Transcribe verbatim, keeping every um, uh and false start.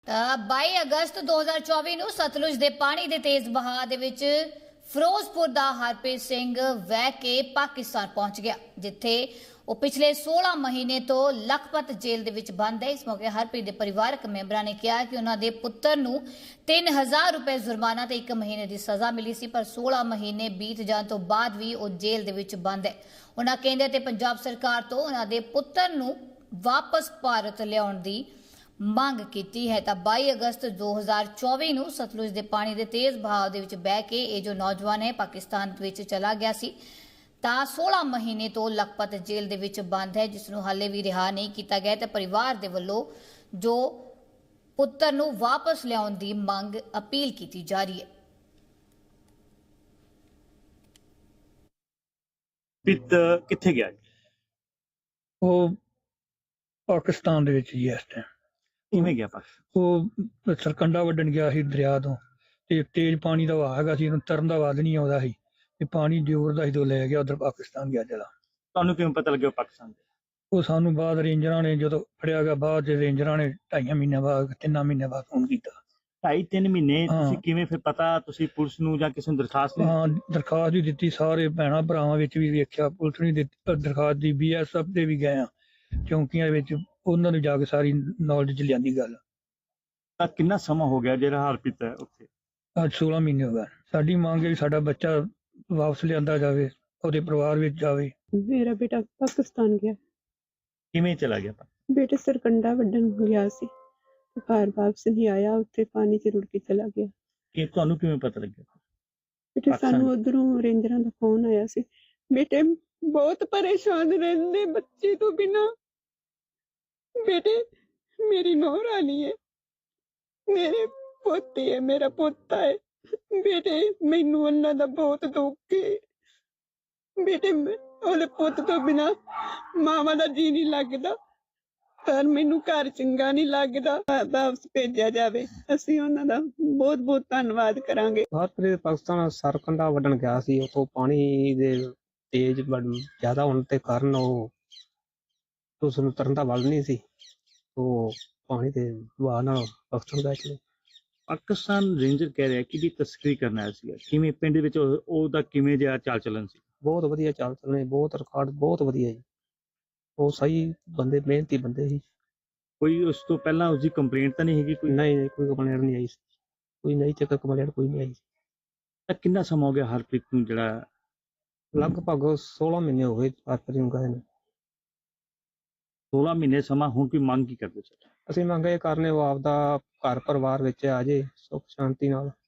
ਤਾਂ ਬਾਈ ਅਗਸਤ ਦੋ ਹਜ਼ਾਰ ਚੌਵੀ ਨੂੰ ਸਤਲੁਜ ਦੇ ਪਾਣੀ ਦੇ ਤੇਜ਼ ਵਹਾਅ ਦੇ ਵਿੱਚ ਫਿਰੋਜ਼ਪੁਰ ਦਾ ਹਰਪ੍ਰੀਤ ਸਿੰਘ ਵਹਿ ਕੇ ਪਾਕਿਸਤਾਨ ਪਹੁੰਚ ਗਿਆ, ਜਿੱਥੇ ਉਹ ਪਿਛਲੇ ਸੋਲਾਂ ਮਹੀਨੇ ਤੋਂ ਲਖਪਤ ਜੇਲ੍ਹ ਦੇ ਵਿੱਚ ਬੰਦ ਹੈ। ਇਸ ਮੌਕੇ ਹਰਪ੍ਰੀਤ ਦੇ ਪਰਿਵਾਰਕ ਮੈਂਬਰਾਂ ਨੇ ਕਿਹਾ ਕਿ ਉਹਨਾਂ ਦੇ ਪੁੱਤਰ ਨੂੰ ਤਿੰਨ ਹਜ਼ਾਰ ਰੁਪਏ ਜੁਰਮਾਨਾ ਤੇ ਇੱਕ ਮਹੀਨੇ ਦੀ ਸਜ਼ਾ ਮਿਲੀ ਸੀ, ਪਰ ਸੋਲਾਂ ਮਹੀਨੇ ਬੀਤ ਜਾਣ ਤੋਂ ਬਾਅਦ ਵੀ ਉਹ ਜੇਲ੍ਹ ਦੇ ਵਿੱਚ ਬੰਦ ਹੈ। ਉਹਨਾਂ ਕਹਿੰਦੇ ਤੇ ਪੰਜਾਬ ਸਰਕਾਰ ਤੋਂ ਉਹਨਾਂ ਦੇ ਪੁੱਤਰ ਨੂੰ ਵਾਪਸ ਭਾਰਤ ਲਿਆਉਣ ਦੀ ਮੰਗ ਕੀਤੀ ਹੈ। ਤਾਂ ਬਾਈ ਅਗਸਤ ਦੋ ਹਜ਼ਾਰ ਚੌਵੀ ਨੂੰ ਸਤਲੁਜ ਦੇ ਪਾਣੀ ਦੇ ਤੇਜ਼ ਵਹਾਅ ਦੇ ਵਿੱਚ ਬਹਿ ਕੇ ਇਹ ਜੋ ਨੌਜਵਾਨ ਹੈ ਪਾਕਿਸਤਾਨ ਵਿੱਚ ਚਲਾ ਗਿਆ ਸੀ, ਤਾਂ ਸੋਲਾਂ ਮਹੀਨੇ ਤੋਂ ਲਖਪਤ ਜੇਲ੍ਹ ਦੇ ਵਿੱਚ ਬੰਦ ਹੈ, ਜਿਸ ਨੂੰ ਹਾਲੇ ਵੀ ਰਿਹਾ ਨਹੀਂ ਕੀਤਾ ਗਿਆ। ਤੇ ਪਰਿਵਾਰ ਦੇ ਵੱਲੋਂ ਜੋ ਪੁੱਤਰ ਨੂੰ ਵਾਪਸ ਲਿਆਉਣ ਦੀ ਮੰਗ ਅਪੀਲ ਕੀਤੀ ਜਾ ਰਹੀ ਹੈ। ਪਿਤ ਕਿੱਥੇ ਗਿਆ? ਉਹ ਪਾਕਿਸਤਾਨ ਦੇ ਵਿੱਚ ਹੀ ਇਸ ਟਾਈਮ। ਕਿਵੇਂ ਗਿਆ ਪਾਸ? ਉਹ ਸਰਕੰਡਾ ਵੱਢਣ ਗਿਆ ਸੀ ਦਰਿਆ ਤੋਂ, ਤੇ ਤੇਜ਼ ਪਾਣੀ ਦਾ ਵਹਾਅ ਹੈਗਾ ਸੀ, ਇਹਨੂੰ ਤਰਨ ਦਾ ਵਾਦ ਨਹੀਂ ਆਉਂਦਾ ਸੀ, ਤੇ ਪਾਣੀ ਜ਼ੋਰ ਦਾ ਸੀ ਤੋਂ ਲੈ ਗਿਆ ਉਧਰ ਪਾਕਿਸਤਾਨ ਗਿਆ ਚਲਾ। ਤੁਹਾਨੂੰ ਕਿਵੇਂ ਪਤਾ ਲੱਗਿਆ ਪਾਕਿਸਤਾਨ ਦੇ? ਉਹ ਸਾਨੂੰ ਬਾਅਦ ਰੇਂਜਰਾਂ ਨੇ ਜਦੋਂ ਫੜਿਆ ਗਿਆ, ਬਾਅਦ ਰੇਂਜਰਾਂ ਨੇ ਢਾਈਆਂ ਮਹੀਨਿਆਂ ਬਾਅਦ ਤਿੰਨਾਂ ਮਹੀਨਿਆਂ ਬਾਅਦ ਫੋਨ ਕੀਤਾ। ਢਾਈ ਤਿੰਨ ਮਹੀਨੇ ਹਾਂ। ਤੁਸੀਂ ਕਿਵੇਂ ਫਿਰ ਪਤਾ ਤੁਸੀਂ ਪੁਲਿਸ ਨੂੰ ਜਾਂ ਕਿਸੇ ਨੂੰ ਦਰਖਾਸਤ ਦਿੱਤੀ? ਹਾਂ, ਦਰਖਾਸਤ ਵੀ ਦਿੱਤੀ, ਸਾਰੇ ਭੈਣਾਂ ਭਰਾਵਾਂ ਵਿੱਚ ਵੀ ਵੇਖਿਆ, ਪੁਲਿਸ ਨੇ ਦਿੱਤੀ ਦਰਖਾਸਤ ਦੀ, ਬੀ ਐਸ ਐਫ ਦੇ ਵੀ ਗਏ ਆ ਚੌਂਕੀਆਂ ਵਿੱਚ, ਉਹਨਾਂ ਨੂੰ ਜਾ ਕੇ ਸਾਰੀ ਨੌਲੇਜ ਚ ਲਿਆਂਦੀ ਗੱਲ। ਤਾਂ ਕਿੰਨਾ ਸਮਾਂ ਹੋ ਗਿਆ ਜਿਹੜਾ ਹਰਪ੍ਰੀਤ ਹੈ ਉੱਥੇ? ਅੱਜ ਸੋਲਾਂ ਮਹੀਨੇ ਹੋ ਗਏ। ਸਾਡੀ ਮੰਗ ਹੈ ਵੀ ਸਾਡਾ ਬੱਚਾ ਵਾਪਸ ਲਿਆਂਦਾ ਜਾਵੇ, ਉਹਦੇ ਪਰਿਵਾਰ ਵਿੱਚ ਜਾਵੇ। ਮੇਰਾ ਬੇਟਾ ਪਾਕਿਸਤਾਨ ਗਿਆ। ਕਿਵੇਂ ਚਲਾ ਗਿਆ? ਬੇਟੇ ਸਰਕੰਡਾ ਵੱਢਣ ਗਿਆ ਸੀ, ਤੇ ਘਰ ਵਾਪਸ ਨਹੀਂ ਆਇਆ, ਉੱਥੇ ਪਾਣੀ 'ਚ ਰੁੜ ਕੇ ਚਲਾ ਗਿਆ। ਕਿ ਤੁਹਾਨੂੰ ਕਿਵੇਂ ਪਤਾ ਲੱਗਿਆ? ਬੇਟੇ ਪਾਕਿਸਤਾਨ ਸਾਨੂੰ ਉਧਰੋਂ ਰੇਂਜਰਾਂ ਦਾ ਫੋਨ ਆਇਆ ਸੀ। ਬੇਟੇ ਬਹੁਤ ਪਰੇਸ਼ਾਨ ਰਹਿੰਦੇ ਬੱਚੇ ਤੋਂ ਬਿਨਾ। ਬੇਟੇ ਮੇਰੀ ਨੂੰਹ ਰਾਣੀ ਹੈ, ਮੇਰੇ ਪੋਤੀ ਹੈ, ਮੇਰਾ ਪੋਤਾ ਹੈ। ਬੇਟੇ ਮੈਨੂੰ ਉਹਨਾਂ ਦਾ ਬਹੁਤ ਦੁੱਖ ਹੈ। ਬੇਟੇ ਉਹਦੇ ਪੁੱਤ ਤੋਂ ਬਿਨਾ ਮਾਵਾਂ ਦਾ ਜੀ ਨਹੀਂ ਲੱਗਦਾ, ਪਰ ਮੈਨੂੰ ਘਰ ਚੰਗਾ ਨਹੀਂ ਲੱਗਦਾ। ਵਾਪਸ ਭੇਜਿਆ ਜਾਵੇ, ਅਸੀਂ ਉਹਨਾਂ ਦਾ ਬਹੁਤ ਬਹੁਤ ਧੰਨਵਾਦ ਕਰਾਂਗੇ। ਹਰਪ੍ਰੀਤ ਪਾਕਿਸਤਾਨ ਸਰਕੰਡਾ ਵੱਢਣ ਗਿਆ ਸੀ, ਉਤੋਂ ਪਾਣੀ ਦੇ ਤੇਜ਼ ਜ਼ਿਆਦਾ ਹੋਣ ਦੇ ਕਾਰਨ ਉਹ ਉਸ ਨੂੰ ਤਰਨ ਦਾ ਵੱਲ ਨਹੀਂ ਸੀ, ਉਹ ਪਾਣੀ ਦੇ ਵਹਾਅ ਨਾਲ ਪਾਕਿਸਤਾਨ ਗਏ ਚਲੇ। ਪਾਕਿਸਤਾਨ ਰੇਂਜਰ ਕਹਿ ਰਿਹਾ ਕਿ ਵੀ ਤਸਕਰੀ ਕਰਨ ਆਇਆ ਸੀਗਾ, ਕਿਵੇਂ ਪਿੰਡ ਵਿੱਚ ਉਹ- ਉਹਦਾ ਕਿਵੇਂ ਜਿਹਾ ਚਾਲ ਚੱਲਣ ਸੀ? ਬਹੁਤ ਵਧੀਆ ਚਾਲ ਚੱਲਣੇ, ਬਹੁਤ ਰਿਕਾਰਡ ਬਹੁਤ ਵਧੀਆ ਜੀ, ਉਹ ਸਹੀ ਬੰਦੇ, ਮਿਹਨਤੀ ਬੰਦੇ ਸੀ। ਕੋਈ ਉਸ ਤੋਂ ਪਹਿਲਾਂ ਉਸਦੀ ਕੰਪਲੇਂਟ ਤਾਂ ਨਹੀਂ ਹੈਗੀ ਕੋਈ? ਨਹੀਂ ਨਹੀਂ ਕੋਈ ਕੰਪਲੇਂਟ ਨਹੀਂ ਆਈ, ਕੋਈ ਨਹੀਂ ਚੱਕਰ ਕੰਪਲੇਂਟ ਕੋਈ ਨਹੀਂ ਆਈ। ਤਾਂ ਕਿੰਨਾ ਸਮਾਂ ਹੋ ਗਿਆ ਹਰਪ੍ਰੀਤ ਨੂੰ ਜਿਹੜਾ? ਲਗਭਗ ਸੋਲਾਂ ਮਹੀਨੇ ਹੋ ਗਏ ਹਰਪ੍ਰੀਤ ਨੂੰ ਗਏ ਨੇ। ਸੋਲਾਂ ਮਹੀਨੇ ਸਮਾਂ। ਹੁਣ ਕੋਈ ਮੰਗ ਕੀ ਕਰਦੇ ਸਰ? ਅਸੀਂ ਮੰਗ ਇਹ ਕਰਨੇ ਉਹ ਆਪਦਾ ਘਰ ਪਰਿਵਾਰ ਵਿੱਚ ਆ ਜੇ ਸੁੱਖ ਸ਼ਾਂਤੀ ਨਾਲ।